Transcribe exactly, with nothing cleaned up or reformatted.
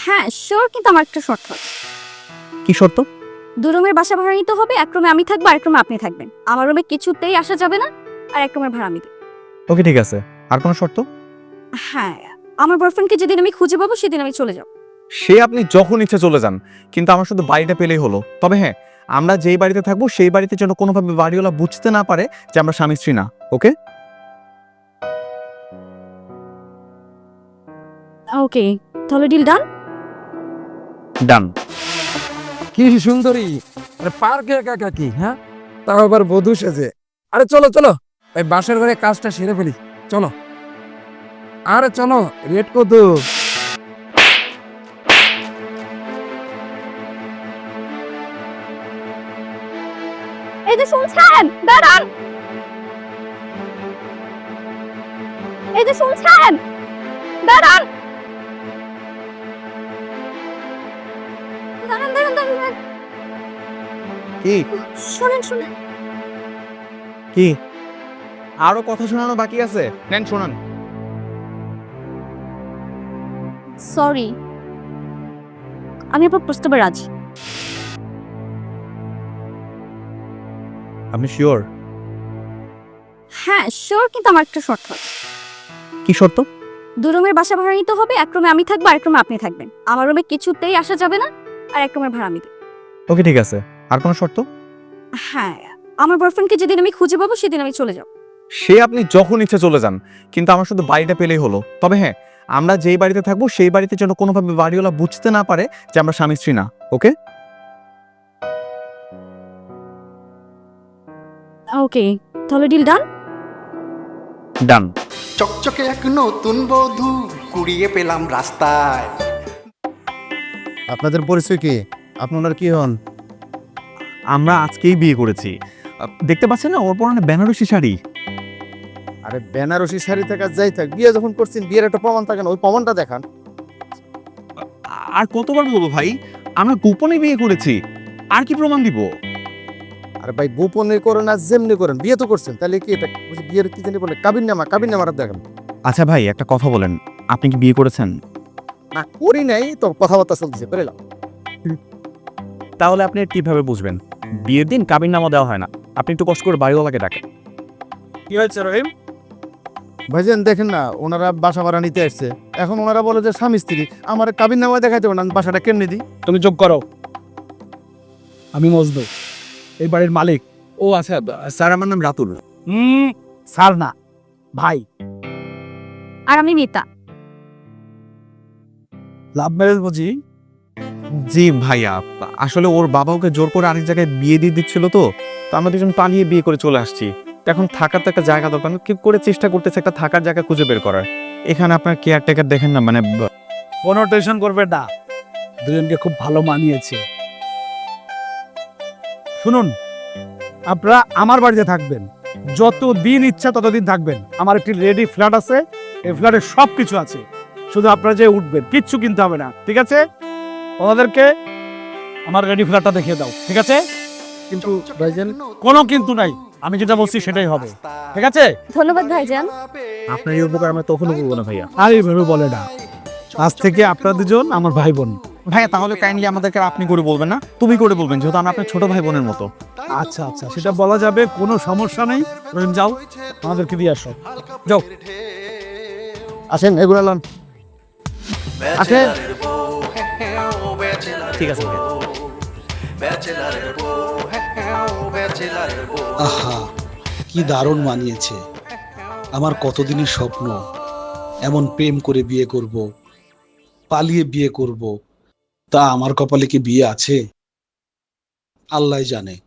হ্যাঁ শিওর, কিন্তু আমার একটা শর্ত আছে। কি শর্ত? দু রুমের বাসা ভাড়া নিতে হবে, এক রুমে আমি থাকবো, আরেক রুমে আপনি থাকবেন। আমার রুমে কিছুতেই আসা যাবে না, আর এক রুমের ভাড়া আমি দেব। ওকে ঠিক আছে, আর কোনো শর্ত? হ্যাঁ, আমার বয়ফ্রেন্ডকে যেদিন আমি খুঁজে পাবো সেদিন আমি চলে যাব। সে আপনি যখন ইচ্ছে চলে যান, কিন্তু আমার শুধু বাড়িটা পেলেই হলো। তবে হ্যাঁ, আমরা যেই বাড়িতে থাকবো সেই বাড়িতে যেন কোনোভাবে বাড়িওয়ালা বুঝতে না পারে যে আমরা স্বামী স্ত্রী না। ওকে? ওকে, তাহলে ডিল ডান। ডান। কি সুন্দরী! আরে পার্কে একা একা কি, হ্যাঁ? তাও আবার বধূ সেজে। আরে চলো চলো, এই বাসের ঘরে কাজটা সেরে ফেলি, চলো। আরে চলো, রেট কত? এই যে শুনছেন, দাঁড়ান। এই যে শুনছেন, দাঁড়ান। দাঁড়ান দাঁড়ান দাঁড়ান। কি শুনেন শুনেন। কি আরো কথা শোনানো বাকি আছে? নেন শোনান। সরি, আমি আপনার প্রস্তাবে রাজি। আপনি শিওর? হ্যাঁ শিওর, কিন্তু আমার একটা শর্ত আছে। কি শর্ত? দু রুমের বাসা ভাড়া নিতে হবে, এক রুমে আমি থাকবো, আরেক রুমে আপনি থাকবেন। আমার রুমে কিছুতেই আসা যাবে না, আর এক রুমের ভাড়া আমি দেব। ওকে ঠিক আছে, আর কোনো শর্ত? হ্যাঁ, আমার বয়ফ্রেন্ডকে যেদিন আমি খুঁজে পাবো সেদিন আমি চলে যাব। সে আপনি যখন ইচ্ছে চলে যান, কিন্তু আমার শুধু বাড়িটা পেলেই হলো। তবে হ্যাঁ, আমরা যেই বাড়িতে থাকবো সেই বাড়িতে যেন কোনোভাবে বাড়িওয়ালা বুঝতে না পারে যে আমরা স্বামী স্ত্রী না। ওকে? ওকে, তাহলে ডিল ডান। ডান। চকচকে এক নতুন বধূ কুড়িয়ে পেলাম রাস্তায়। আপনাদের পরিচয় কি? আপনার কি হন? আমরা আজকেই বিয়ে করেছি। আহ, দেখতে পাচ্ছেন না ওর পরনে বেনারসি শাড়ি? আরে বেনারসি শাড়ি থাকা যাই থাক, বিয়ে যখন করছেন বিয়ের একটা প্রমাণ থাকে না, ওই প্রমাণটা দেখান। আর কতবার বলবো ভাই, আমরা গোপনে বিয়ে করেছি, আর কি প্রমাণ দিব? আরে ভাই গোপনে করেন আর যেমনি করেন, বিয়ে তো করছেন, তাহলে কি এটা বুঝি বিয়ের কি জানি বলে কাবিন নামা, কাবিন নামাটা দেখেন। আচ্ছা ভাই একটা কথা বলেন, আপনি কি বিয়ে করেছেন? না করি নাই তো, কথাবার্তা চলতেছে বেরেলাম। তাহলে আপনি কিভাবে বুঝবেন? বিয়ের দিন কাবিননামা দেওয়া হয় না। আপনি একটু কষ্ট করে বাড়িওয়ালাকে ডাকেন। কি হয়েছে রহিম? ভাইজান দেখেন না, ওনারা বাসা ভাড়া নিতে আসছে, এখন ওনারা বলে যে স্বামী স্ত্রী, আমার কাবিন নামা দেখাইতে হবে না, আমি বাসাটা কেমনে দিই? তুমি চুপ করো। আমি মজনু, এই বাড়ির মালিক। ও আচ্ছা স্যার, আমার নাম রাতুল। হুম, স্যার না, ভাই। আর আমি মিতা। লাভ ম্যারেজ বুঝি? জি ভাইয়া, আসলে ওর বাবা ওকে জোর করে আরেক জায়গায় বিয়ে দিয়ে দিচ্ছিল, তো তো আমরা দুজন পালিয়ে বিয়ে করে চলে আসছি। তো এখন থাকার তো একটা জায়গা দরকার, কি করে চেষ্টা করতেছে একটা থাকার জায়গা খুঁজে বের করার। এখানে আপনার কেয়ারটেকার দেখেন না, মানে ব- কোনো টেনশন করবে না, দুজনকে খুব ভালো মানিয়েছে। শুনুন, আপনারা আমার বাড়িতে থাকবেন, যত দিন ইচ্ছা ততদিন থাকবেন। আমার একটি রেডি ফ্ল্যাট আছে, এই ফ্ল্যাটে সব কিছু আছে, শুধু আপনারা যে উঠবেন, কিচ্ছু কিনতে হবে না, ঠিক আছে? ওনাদেরকে আমার রেডি ফ্ল্যাটটা দেখিয়ে দাও, ঠিক আছে? কিন্তু ভাইজান কোনো কিন্তু নাই, আমি যেটা বলছি সেটাই হবে, ঠিক আছে? ধন্যবাদ ভাইজান। আপনার এই উপকার আমরা তখনও করবো না ভাইয়া। আর এইভাবে বলে না, আজ থেকে আপনারা দুজন আমার ভাই বোন। ভাইয়া তাহলে কাইন্ডলি আমাদেরকে আপনি করে বলবেন না, তুমি করে বলবেন, যেহেতু আমরা আপনার ছোট ভাই বোনের মতো। আচ্ছা আচ্ছা, সেটা বলা যাবে, কোনো সমস্যা নেই। রহিম যাও, আমাদেরকে দিয়ে আসো, যাও। আসেন এগুলো লন। আসেন। ঠিক আছে ভাইয়া। আহা, কি দারুণ মানিয়েছে। আমার কতদিনের স্বপ্ন, এমন প্রেম করে বিয়ে করব, পালিয়ে বিয়ে করব। তা আমার কপালে কি বিয়ে আছে? আল্লাহই জানে।